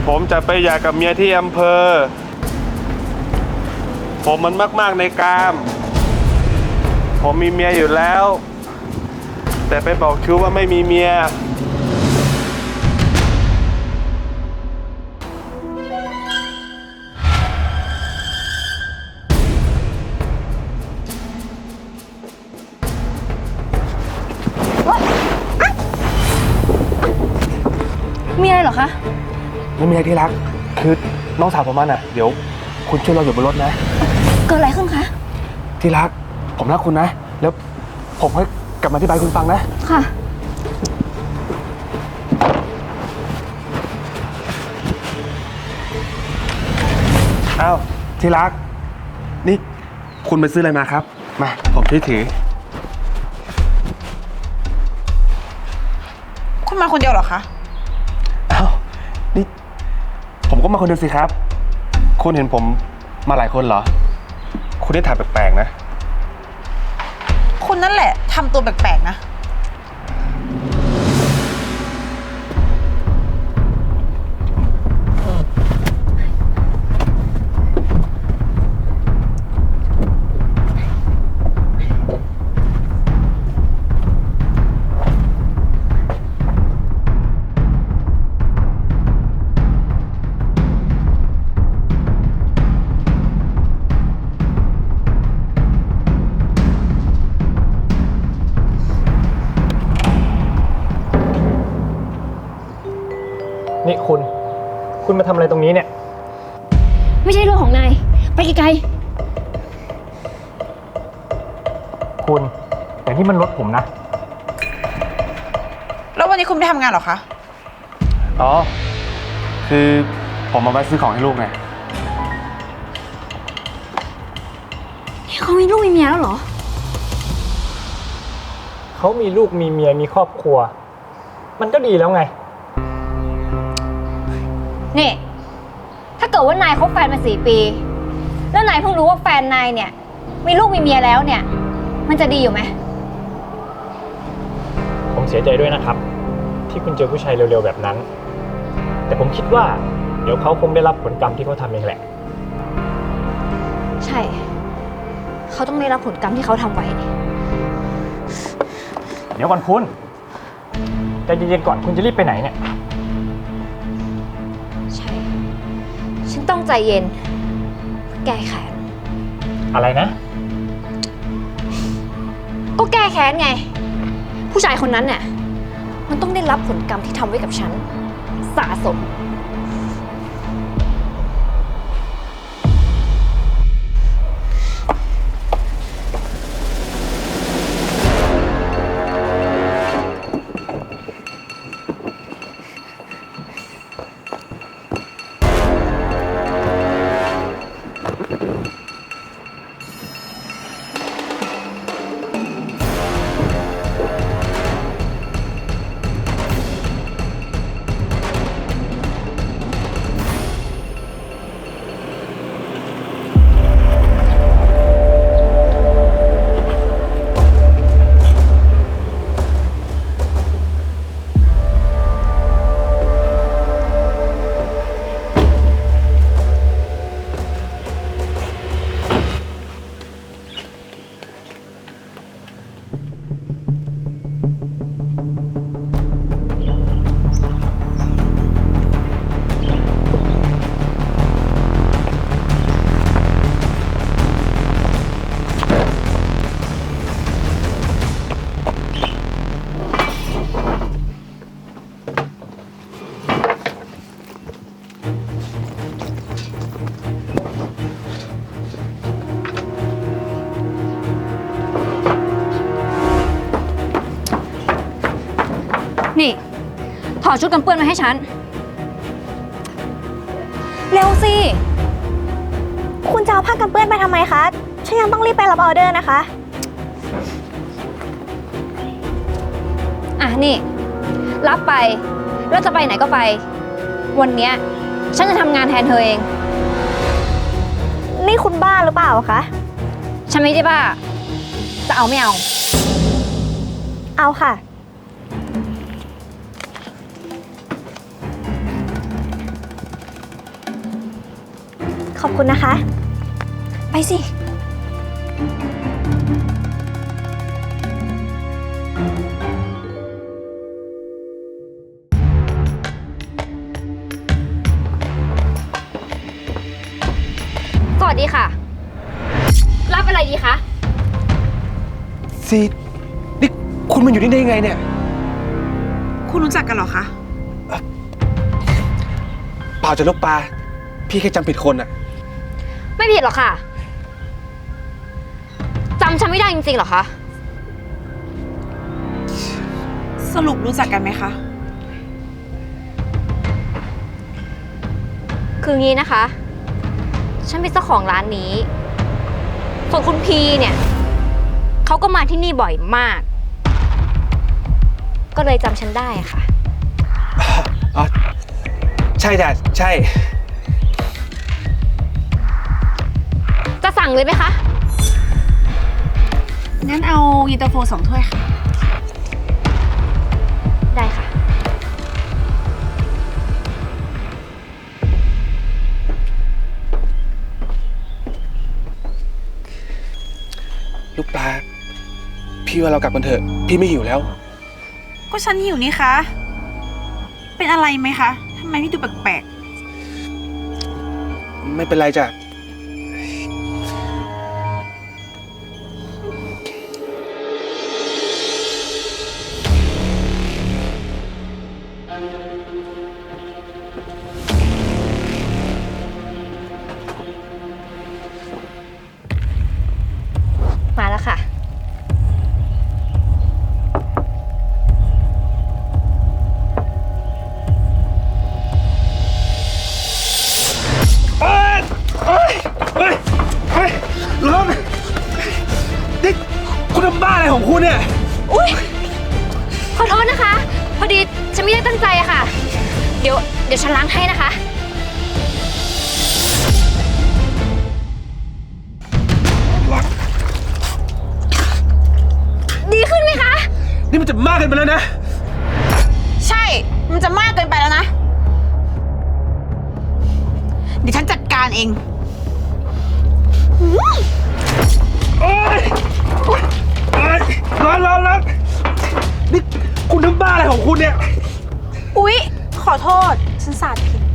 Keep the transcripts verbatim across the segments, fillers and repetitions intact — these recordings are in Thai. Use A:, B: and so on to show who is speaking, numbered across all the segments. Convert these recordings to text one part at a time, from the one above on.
A: ผมจะไปหย่ากับเมียที่อำเภอผมมันมากๆในกามผมมีเมียอยู่แล้วแต่ไปบอกชู้ว่าไม่มีเมีย
B: มีอะไรเหรอคะ
A: ไม่มีอะไรที่รักคือน้องสาวผมมันอ่ะเดี๋ยวคุณช่วยเราอยู่บนรถนะ
B: เกิดอะไรขึ้นคะ
A: ที่รักผมรักคุณนะแล้วผมให้กลับมาอธิบายคุณฟังนะ
B: ค่ะ
A: อ้าวที่รักนี่คุณไปซื้ออะไรมาครับมาผมช่วยถือ
C: คุณมาคนเดียวเหรอคะ
A: อ้าวนี่ผมก็มาคนเดียวสิครับคุณเห็นผมมาหลายคนเหรอคุณได้ถ่ายแปลกๆนะ
C: คุณนั่นแหละทำตัวแปลกๆนะ
D: นี่คุณ คุณมาทำอะไรตรงนี้เนี่ย
B: ไม่ใช่เรื่องของนายไปไกล
D: ๆคุณแต่นี่มันรถผมนะ
C: แล้ววันนี้คุณไม่ทำงานหรอคะ
A: อ๋อคือผมมาแวะซื้อของให้ลูกไง
B: เขามีลูกมีเมียแล้วเหรอ
D: เขามีลูกมีเมียมีครอบครัวมันก็ดีแล้วไง
B: นี่ถ้าเกิดว่านายคบแฟนมาสี่ปีแล้วนายเพิ่งรู้ว่าแฟนนายเนี่ยมีลูกมีเมียแล้วเนี่ยมันจะดีอยู่ไหม
D: ผมเสียใจด้วยนะครับที่คุณเจอผู้ชายเร็วๆแบบนั้นแต่ผมคิดว่าเดี๋ยวเขาคงได้รับผลกรรมที่เขาทำเองแหละ
B: ใช่เขาต้องได้รับผลกรรมที่เขาทำไว้
D: เดี๋ยวก่อนคุณใจเย็นๆก่อนคุณจะรีบไปไหนเนี่ย
B: ใช่ฉันต้องใจเย็นแก้แค้น
D: อะไรนะ
B: ก็แก้แค้นไงผู้ชายคนนั้นเนี่ยมันต้องได้รับผลกรรมที่ทำไว้กับฉันสะสมนี่ถอดชุดกันเปื้อนมาให้ฉันเร็วสิ
E: คุณจะเอาผ้ากันเปื้อนไปทำไมคะฉันยังต้องรีบไปรับออเดอร์นะคะ
B: อ่ะนี่รับไปแล้วจะไปไหนก็ไปวันเนี้ยฉันจะทำงานแทนเธอเอง
E: นี่คุณบ้าหรือเปล่าคะ
B: ฉันไม่ได้บ้าจะเอาไม่เอา
E: เอาค่ะ
B: น
E: ขอบคุณนะคะ
B: ไปสิ สวัสดีค่ะ รับอะไรดีคะ
A: ซีนี่คุณมาอยู่นี่ได้ยังไงเนี่ย
C: คุณรู้จักกันเหรอคะ
A: เปล่าจะลบปลา พี่แค่จำผิดคนอะ
B: ไม่ผิดหรอกค่ะ จำฉันไม่ได้จริงๆหรอคะ
C: สรุปรู้จักกันไหมคะ
B: คืองี้นะคะ ฉันเป็นเจ้าของร้านนี้ ส่วนคุณพีเนี่ย เขาก็มาที่นี่บ่อยมาก ก็เลยจำฉันได้ค่ะ
A: อ๋อ ใช่จ้ะใช่
B: จะสั่งเลยไหมคะ
C: งั้นเอาเย็นตาโฟสองถ้วยค่ะ
B: ได้ค่ะ
A: ลูกปลา พี่ว่าเรากลับกันเถอะ พี่ไม่หิวแล้ว
C: ก็ฉันหิวนี่คะ เป็นอะไรไหมคะทำไมพี่ดูแปลก
A: ไม่เป็นไรจ้ะ
B: มาแล้วค่ะ
A: เอ้ยเอ้ยเอ้ยเอ้ยร้อนนี่คุณทำบ้าอะไรของคุณเนี่ย
B: อุ๊ย ขอโทษนะคะ พอดีฉันไม่ได้ตั้งใจอะค่ะ เดี๋ยว เดี๋ยวฉันล้างให้นะคะ ดีขึ้นไหมคะ
A: นี่มันจะมากเกินไปแล้วนะ
C: ๆ ใช่ มันจะมากเกินไปแล้วนะ เดี๋ยวฉันจัดการเอง
A: โอ๊ยโอ๊ยโอ๊ยร้อนร้อนร้อนนี่คุณทำบ้าอะไรของคุณเนี่ย
C: อุ๊ย ขอโทษ ฉันสาดผิด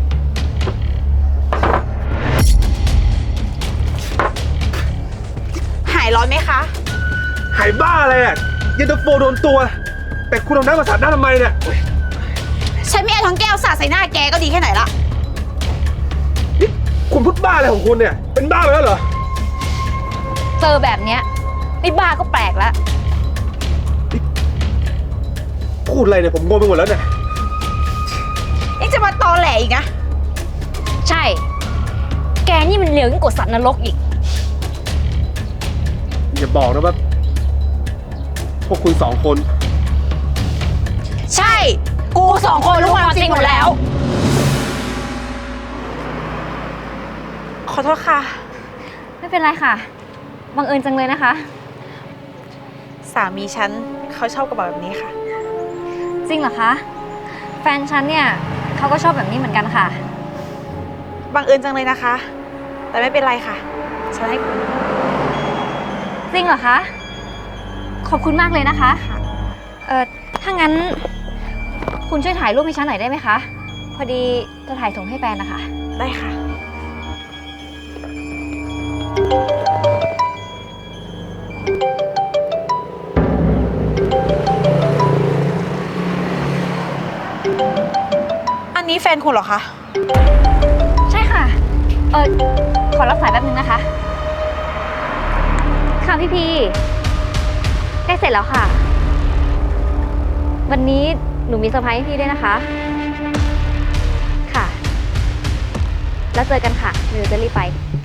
C: หายร้อนไหมคะ
A: หายบ้าอะไรอ่ะเย็นตาโฟโดนตัว แต่คุณเอาน้ำมาสาดหน้าทำไมเนี่ย
C: ฉันไม่เอาทั้งแก้วสาดใส่หน้าแกก็ดีแค่ไหนละ
A: นี่คุณพูดบ้าอะไรของคุณเนี่ย เป็นบ้าไปแล้วเหรอ
B: เจอแบบเนี้ยไม่บ้าก็แปลกแล้ว
A: พูดอะไรเนี่ยผมงงไปหมดแล้วเนี่ย
C: นี่จะมาตอแหลอีกนะ
B: ใช่ แกนี่มันเลวยิ่งกว่าสัตว์นรกอีก
A: อย่าบอกนะว่าพวกคุณสองคน
C: ใช่ กูสองคนรู้ความจริงหมดแล้ว ขอโทษค่ะ
B: ไม่เป็นไรค่ะ บังเอิญจังเลยนะคะ
C: สามีฉันเขาชอบกระเป๋าแบบนี้ค่ะ
B: จริงเหรอคะ แฟนฉันเนี่ยเขาก็ชอบแบบนี้เหมือนกันค่ะ
C: บังเอิญจังเลยนะคะ แต่ไม่เป็นไรค่ะ ฉันให้คุณ
B: จริงเหรอคะ ขอบคุณมากเลยนะคะ เออถ้างั้น คุณช่วยถ่ายรูปให้ฉันหน่อยได้ไหมคะ พอดีจะถ่ายส่งให้แฟนนะคะ
C: ได้ค่ะ อันนี้แฟนคุณเหรอคะ
B: ใช่ค่ะ เออขอรับสายแป๊บนึงนะคะ ค่ะพี่พีใกล้เสร็จแล้วค่ะ วันนี้หนูมีเซอร์ไพรส์ให้พี่ด้วยนะคะ ค่ะ แล้วเจอกันค่ะหนูจะรีบไป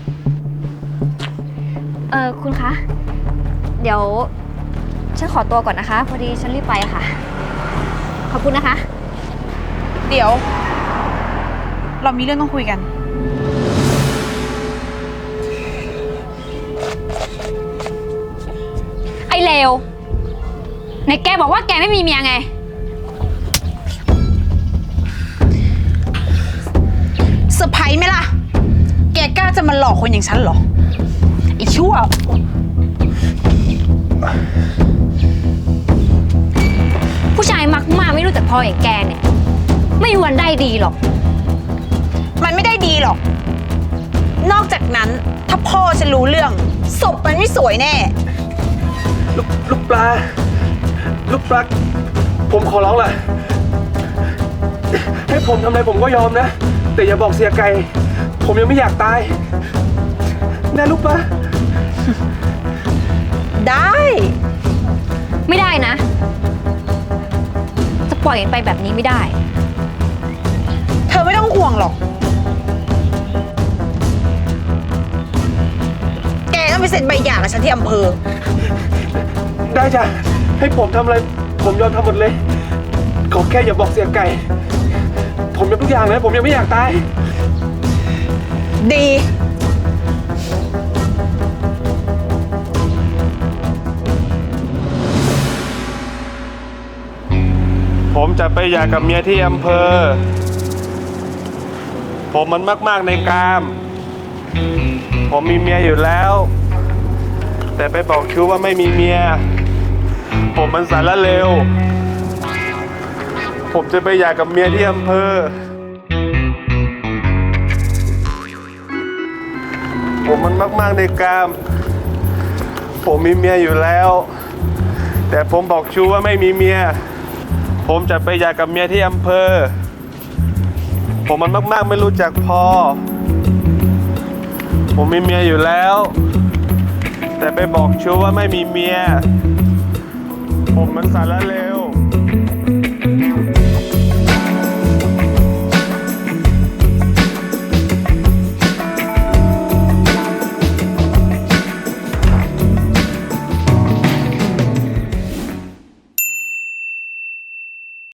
B: เออคุณคะ เดี๋ยวฉันขอตัวก่อนนะคะ พอดีฉันรีบไปอะค่ะ ขอบคุณนะคะ
C: เดี๋ยว เรามีเรื่องต้องคุยกัน
B: ไอ้เลวไหนแกบอกว่าแกไม่มีเมียไง
C: เซอร์ไพรส์ไหมล่ะ แกกล้าล้าจะมาหลอกคนอย่างฉันเหรอไอ้ชั่ว
B: ผู้ชายมักมากไม่รู้จักพออย่างแกเนี่ย ไม่มีวันได้ดีหรอก
C: มันไม่ได้ดีหรอก นอกจากนั้นถ้าพ่อฉันรู้เรื่องศพมันไม่สวยแน่
A: ลูกลูกปลา ลูกปลา ผมขอร้องล่ะ ให้ผมทำอะไรผมก็ยอมนะ แต่อย่าบอกเสียไก่ ผมยังไม่อยากตายนะลูกปลา
C: ได้
B: ไม่ได้นะ จะปล่อยมันไปแบบนี้ไม่ได้
C: เธอไม่ต้องห่วงหรอก แกต้องไปเซ็นใบหย่ากับฉันที่อำเภอ
A: ได้จ้ะ ให้ผมทำอะไร ผมยอมทำหมดเลย ขอแค่อย่าบอกเสียไก่ ผมยอมทุกอย่างเลย ผมยังไม่อยากตาย
C: ดี
A: ผมจะไปหย่ากับเมียที่อำเภอ ผมมันมาก ๆ ในกาม ผมมีเมียอยู่แล้ว แต่ไปบอกชู้ว่าไม่มีเมีย ผมมันสารเลว ผมจะไปหย่ากับเมียที่อำเภอ ผมมันมาก ๆ ในกาม ผมมีเมียอยู่แล้ว แต่ผมบอกชู้ว่าไม่มีเมีย ผมจะไปหย่ากับเมียที่อำเภอ ผมมันมากๆไม่รู้จักพอ ผมมีเมียอยู่แล้ว แต่ไปบอกชู้ว่าไม่มีเมีย ผมมันสารเลว